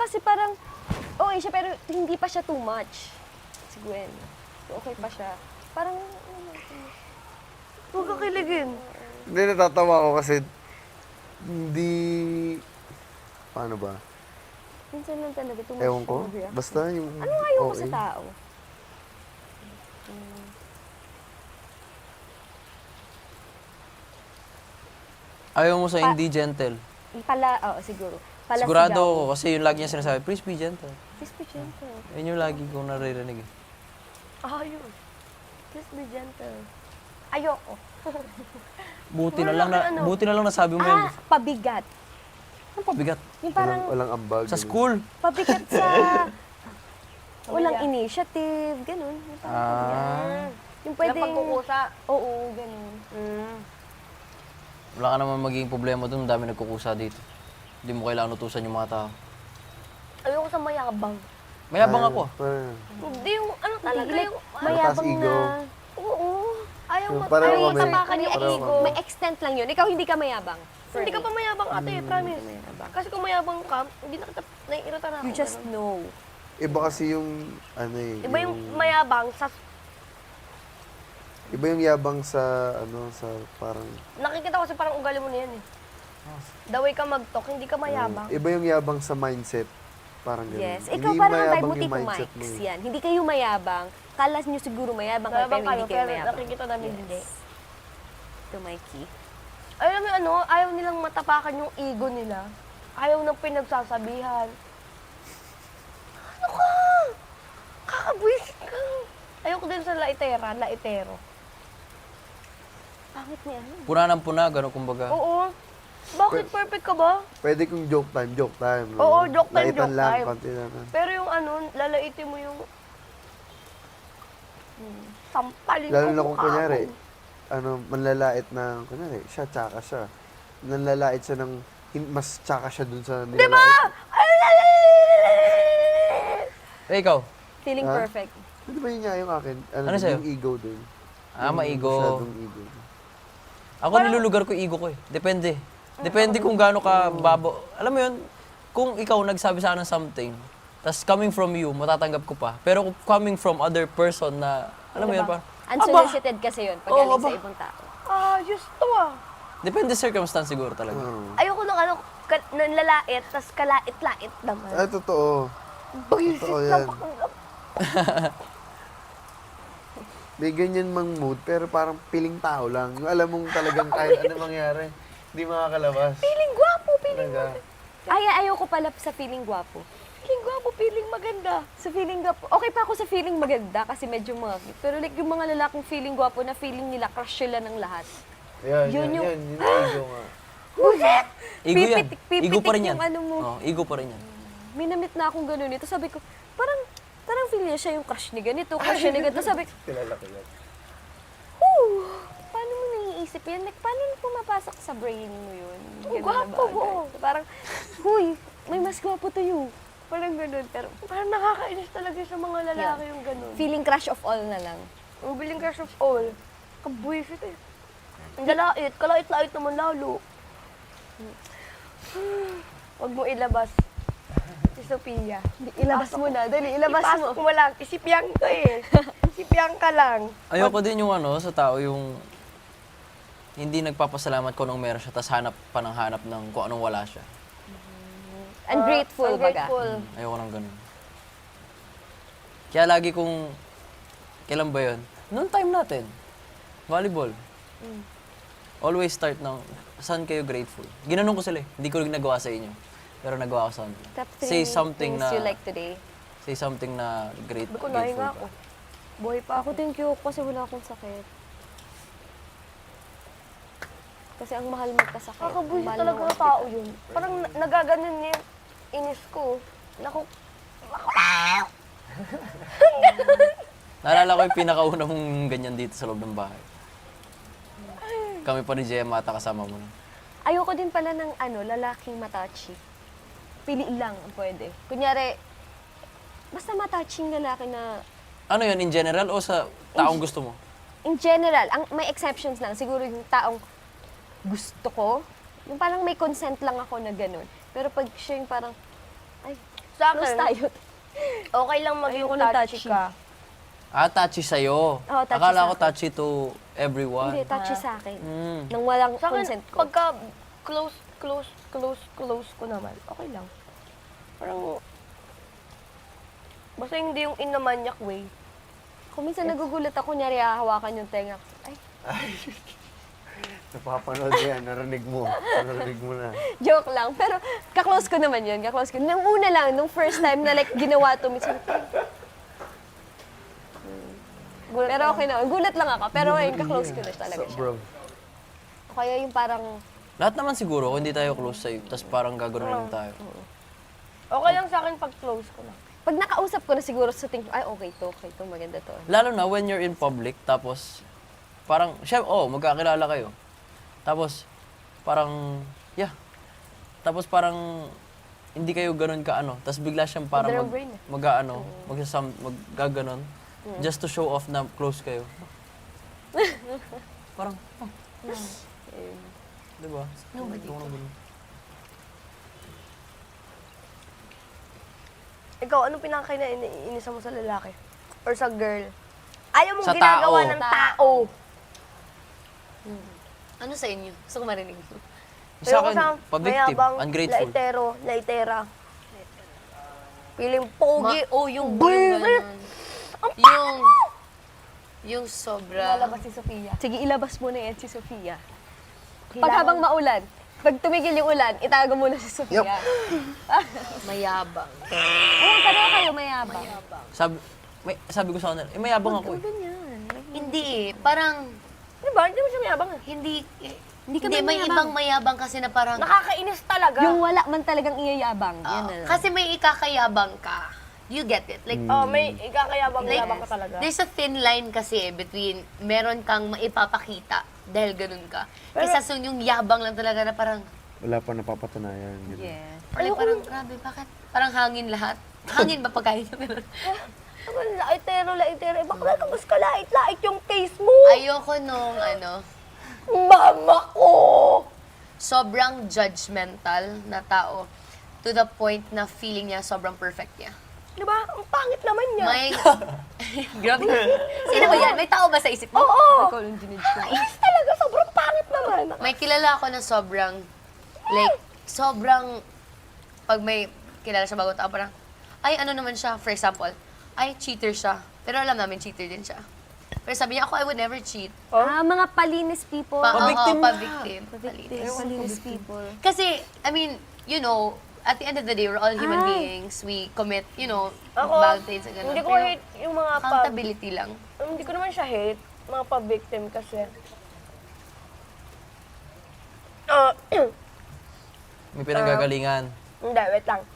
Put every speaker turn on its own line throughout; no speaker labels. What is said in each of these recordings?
kasi parang, okay siya, pero hindi pa siya too much. Si Gwen. Okay pa siya. Parang,
Huwag ka kiligin.
Hindi, natatawa ako kasi hindi... Paano ba?
minsan lang talaga too much
Ewan ko.
siya mag-react.
Basta yung...
Ano nga ayaw ko
okay.
sa tao?
Ayaw mo sa hindi gentle.
Siguro. Pala
Sigurado ako kasi yung lagi niya sinasabi, please be gentle.
Please be gentle.
Yun yung lagi kong naririnig.
Ayun.
Please be gentle. Ayoko.
Buti
Wala
na lang
kang ano.
buti na lang nasabi mo yun.
Pabigat.
Ano pabigat?
Yung parang
Walang ambag.
Sa
ganun.
school.
pabigat sa walang initiative, ganun. Yung parang pabigat. Yung
Walang
pwedeng...
pagkukusa.
Oo, ganun.
Wala ka naman magiging problema doon, dami nagkukusa dito. Hindi mo kailangan utusan yung mga tao.
Ayoko sa mayabang.
Mayabang ako.
Parang,
Hindi yung ano talaga
Like,
yung...
mayabang
Mataas ego.
na...
Oo. Ayaw
Yung
mo.
pareho
Ayaw
kami.
tapakan yung
Pareho
ego.
May extent lang yun. Ikaw hindi ka mayabang.
Hindi ka pa mayabang ate, promise. Kasi kung mayabang ka, hindi na kita naiirita na ako.
You just
ganun.
know.
iba kasi yung... Ano eh.
Iba yung mayabang sa...
Iba yung yabang sa... Ano, sa parang...
Nakikita ko kasi parang ugali mo na yan eh. The way ka mag-talk, hindi ka mayabang.
Iba yung yabang sa mindset. Parang ganun.
Yes. Ikaw
Hindi
parang ang vibe
mayabang
mo,
yung
Tito
mindset
Mike's
mo eh.
yan. Hindi kayo mayabang. Kala nyo siguro mayabang kayo,
Mayabang
pero
kayo,
hindi kayo
pero
mayabang.
nakikita namin
Yes.
hindi.
Tito Mikey.
Alam mo yung ano, ayaw nilang matapakan yung ego nila. Ayaw ng pinagsasabihan. Ano ka? Kakabwisit ka. Ayoko din sa laitero.
Pangit niya.
Puna ng puna, gano'n kumbaga.
Oo. Bakit perfect ka ba?
Pwede kung joke time. No?
Oo, joke time,
Laitan
joke
lang,
time.
konti lang.
Pero yung ano, lalaitin mo yung... Sampalin
Lalo
ko
na kung
mukha
kunyari,
mo.
ano, manlalait na, kunyari, siya, tsaka siya. Nanlalait siya ng, mas tsaka siya dun sa nilalait.
Diba?
Eh, ikaw?
Feeling
Ha?
perfect.
Ano ba yun nga yung akin?
Ano
dun,
sa'yo?
yung ego dun.
Maigo.
Masyadong ego.
Ako nilulugar ko yung ego ko eh. Depende. Depende kung gaano ka babo. Alam mo yun, kung ikaw nagsabi sa akin ng something, tas coming from you, matatanggap ko pa. Pero kung coming from other person na, alam mo yun, parang,
Unsolicited kasi yun pag
Oo,
galing
aba.
sa ibang tao.
Just to ah.
depende sa circumstance siguro talaga.
Ayoko ng ano, nanlalait, tas kalait-lait naman.
Ay, totoo. Totoo yan. May ganyan mang mood, pero parang piling tao lang. Yung alam mong talagang kahit ano mangyari, hindi makakalabas.
Feeling gwapo, feeling
Talaga.
Ayoko pala sa feeling gwapo.
Feeling gwapo, feeling maganda.
Sa feeling gwapo, okay pa ako sa feeling maganda kasi medyo mga cute. Pero like yung mga lalaking feeling gwapo na feeling nila crush sila ng lahat.
Yan,
Yun yung-
yun ego nga.
Ego yan.
Pipitik
Ego pa rin yan.
yung ano mo.
Oo, ego pa rin yan.
May namit na akong ganun ito. Sabi ko, parang feel niya siya yung crush ni ganito, crush niya ni ganito. Sabi ko,
Kilala ko yan.
paano mo naiisip yan? Like, paano pumapasok sa brain mo yun? Ganun na
gwapo
bagay.
mo.
Parang, huy, may mas gwapo to you. Parang ganun. Pero
Parang nakakainis talaga sa mga lalaki yung ganun.
feeling crush of all na lang.
Ang biling crush of all. Kabuisit eh. Ang kalait-lait naman lalo. Huwag mo ilabas. Si Sophia.
Ilabas mo na. Dali, ilabas mo.
Ipasok mo lang. Isipyang ko eh. Isipyang ka lang.
Ayoko din yung ano, sa tao yung hindi nagpapasalamat kung anong meron siya, tapos hanap ng kung anong wala siya.
Ungrateful, baga.
Ungrateful.
Ayoko ng ganun. Kaya lagi kong, kailan ba yun? Noong time natin, volleyball. Always start ng, saan kayo grateful? Ginanong ko sila eh. Hindi ko rin nagawa sa inyo. Pero nagawa ko sa kanila.
Top
Say
3
something
things
na,
you like today.
say something na
Sabi ko,
grateful
nahinga
ka.
ako. Buhay pa
Ako thank you kasi wala akong sakit. Kasi ang mahal magkasakit.
Kakabuisit
Mahal
talaga
ng
ng tao yun. Parang nagaganon niya yung inis ko. Naku,
Naalala ko yung pinakauna mong ganyan dito sa loob ng bahay. Kami pa ni Gemma ata kasama mo.
Ayoko din pala ng lalaking matachi. Pili lang ang pwede. Kunyari, basta mataching lalaki na,
Ano yun, in general o sa taong gusto mo?
in general, may exceptions lang. Siguro yung taong gusto ko, yung parang may consent lang ako na ganun. Pero pag siya yung parang, ay,
Sa
Close
akin,
tayo.
okay lang maging
Ayoko ng
touchy
touchy.
ka.
Touchy sa'yo.
Oo, touchy
Akala
sa
ko
akin.
touchy to everyone.
Hindi, touchy sa akin.
Mm.
Nang walang
Sa akin,
consent ko.
pagka close ko naman, okay lang. Parang, basta hindi yung inamanyak way.
Kung minsan nagugulat ako, kunyari hahawakan yung tenga ko. Ay,
Napapanood mo yan, narinig mo. Narinig mo na.
joke lang. Pero kaklose ko naman yun, kaklose ko. Nung una lang, nung first time na like ginawa to, minsan,
Gulat
pero
lang.
okay naman. Gulat lang ako. Pero ayun, kaklose ko na talaga
So,
siya.
bro,
Kaya yung parang,
Lahat naman siguro, kung hindi tayo close sa'yo, tapos parang gagawin lang tayo.
Okay lang sa akin pag close ko na.
pag nakausap ko na siguro sa tingin ko, ay okay to, maganda to.
Lalo na when you're in public, tapos parang, magkakilala kayo. Tapos, parang, tapos parang, hindi kayo ganun ka ano. Tapos bigla siyang parang
Madalawang brain eh.
maggaganon. Just to show off na close kayo. Parang, diba? Nobody.
Ikaw, anong pinakakainiinisan mo sa lalaki? Or sa girl? Ayaw mong
Sa
ginagawa
tao.
ng tao.
Ano sa inyo? Gusto ko marinig.
Sa
Ayoko
akin,
sa
pa-victim,
mayabang,
ungrateful.
laitera. Piling pogi.
Yung
Buisit.
ganun. Yung sobra.
Lalabas si Sofia.
Sige, ilabas mo na yan si Sofia. Pag
Kailangan-
habang maulan, pag tumigil yung ulan, itago mo na si Sofia.
Mayabang.
Ayun, pareho kayo mayabang.
Sabi ko sa kanila, mayabang ako eh.
Ganyan.
Hindi eh. Parang,
Diba? Hindi mo siya mayabang eh.
hindi
ka
may
mayabang.
ibang mayabang kasi na parang,
Nakakainis talaga.
Yung wala man talagang iyayabang. Yan na lang.
kasi may ikakayabang ka. You get it? Like,
May ikakayabang-yabang ka talaga.
there's a thin line kasi between meron kang maipapakita dahil ganun ka. Kaysa so yung yabang lang talaga na parang,
wala pa napapatunayan. Ganun.
Yeah.
or like parang, grabe, bakit? Parang hangin lahat. Hangin ba pagkain niya? Pero,
Laitero. Bakla ka mas kalait-lait yung face mo.
ayoko nung
Mama ko!
sobrang judgmental na tao to the point na feeling niya sobrang perfect niya.
Diba? Ang pangit naman niya.
May... Grabe. Sino ba yan? May tao ba sa isip mo?
Oo!
Ikaw yung dinidge ko.
Ayos talaga. Sobrang pangit naman.
May kilala ako na sobrang, pag may kilala siya bagong tao, parang, ay, ano naman siya, for example, ay, cheater siya. Pero alam namin, cheater din siya. Pero sabi niya, ako, I would never cheat.
Mga palinis people.
Pa-victim na.
Pa-victim.
Palinis people.
Kasi, I mean, you know, at the end of the day, we're all human beings. We commit, you know,
Ako,
bad things and gano'n.
hindi ko
Pero
hate yung mga
accountability lang.
Hindi ko naman siya hate. Mga pa-victim kasi.
May pinanggagalingan.
Hindi, wait lang.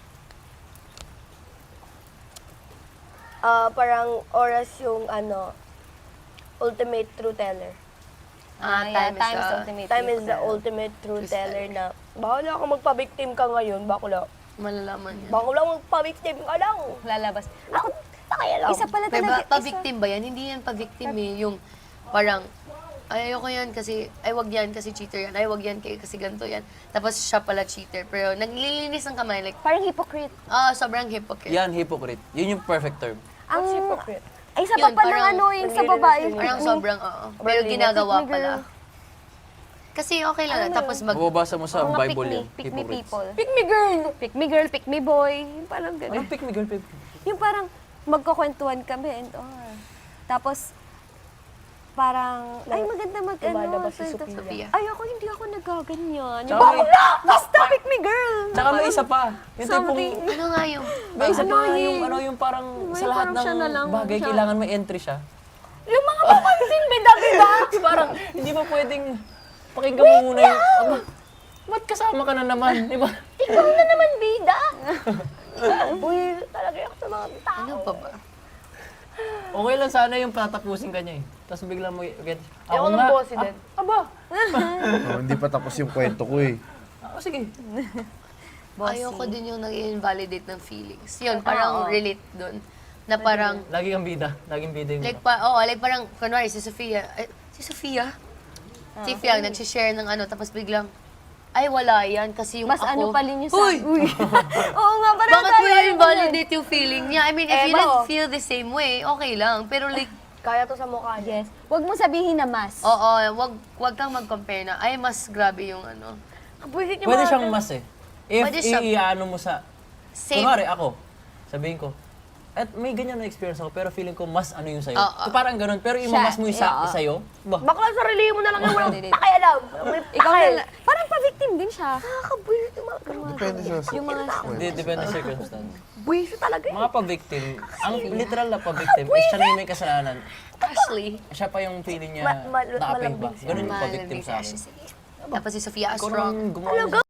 Parang oras yung ultimate truth teller. Time is the ultimate truth teller na bahala ka magpa-victim ka ngayon, bakula.
Malalaman yan.
Bakula magpa-victim ka lang.
Lalabas. Ako,
Kaya lang.
isa pala
Pero
talaga.
pa-victim ba yan? Hindi yan pa-victim eh. Yung parang, ay, ayoko yan kasi, ay, wag yan kasi cheater yan. Ay, wag yan kasi ganito yan. Tapos siya pala cheater. Pero naglilinis ng kamay. Like,
Parang hypocrite.
sobrang hypocrite.
Yan, hypocrite. Yun yung perfect term.
Ang
Ang,
hypocrite.
ay, isa pa
Yun,
pa ng
parang
yung sa babae.
Parang
pick me.
sobrang, Pero ginagawa
Pick me,
pala.
girl.
Kasi okay lang. Tapos
Mababasa mo sa
Mga
Bible yan.
pick me
hypocrites.
people.
Pick me girl!
Pick me girl, pick me boy. Yung parang gano'n.
Anong pick me girl, pick me?
Yung parang magkukwentuhan kami and all. Tapos, parang, ay maganda
Lumalabas si
ganito.
Sophia.
Ay, hindi ako nagaganyan.
Tsaka may-
Basta pick me girl!
Tsaka may isa pa. Yung
Something.
tipong,
Ano nga yung,
may isa pa
Annoying.
yung parang
May
sa lahat
parang siya na lang,
ng bagay,
siya.
kailangan may entry siya.
Yung mga papansin, bida-bida!
Parang, hindi ba pwedeng pakinggan mo muna yung, aba, ba't kasama ka na naman? Di ba?
Ikaw na naman, bida! Uy, talaga ako sa mga tao.
ano pa ba?
Okay lang sana yung patapusin ka niya eh. Tapos bigla mo, okay,
Ayoko ng bossy din.
Aba,
Hindi pa tapos yung kwento ko eh.
sige.
Ayoko din yung nag-invalidate ng feelings. Yun, parang relate dun. Na parang,
Lagi kang bida. Laging bida yung
like parang, kunwari, si Sofia, si Fiang, nag-share ng tapos biglang, ay wala yan kasi yung
Mas
ako...
ano pa rin yung sa...
Uy!
Uy! Oo nga, parang
Bakit mo
tayo
yung
yun.
invalidate yung feeling niya? I mean, if you
Eto.
don't feel the same way, okay lang. Pero like,
Kaya to sa mukha niya.
Yes. Huwag mo sabihin na mas.
oo, wag kang mag-compare na, ay, mas grabe yung ano.
Kabuisit yung
Pwede
mga
siyang
ganun.
mas eh. If
Pwede siya.
iano mo sa...
Same.
Kunwari ako, sabihin ko, at may ganyan na experience ako, pero feeling ko mas ano yung sa'yo.
Oo.
So, parang ganun, pero
Siya,
imamas mo yung
oo.
sa'yo, ba?
Bakla sarili mo na lang yung walang
Hindi.
pakialam. May
Ikaw
pakil.
na parang pa-victim din siya.
Nakakabuisit yung mga ganun.
Depende sa
Yung mga...
Hindi, depende sa circumstance.
Buisit talaga eh.
Mga pa-victim, ang literal na pa-victim is siya na yung may kasalanan.
Ashley.
Siya pa yung feeling niya
Ma-
na-aping ba.
malambing siya.
Ganun yung pa-victim sa akin.
Tapos si Sofia
Ikaw
Strong.
naman gumawa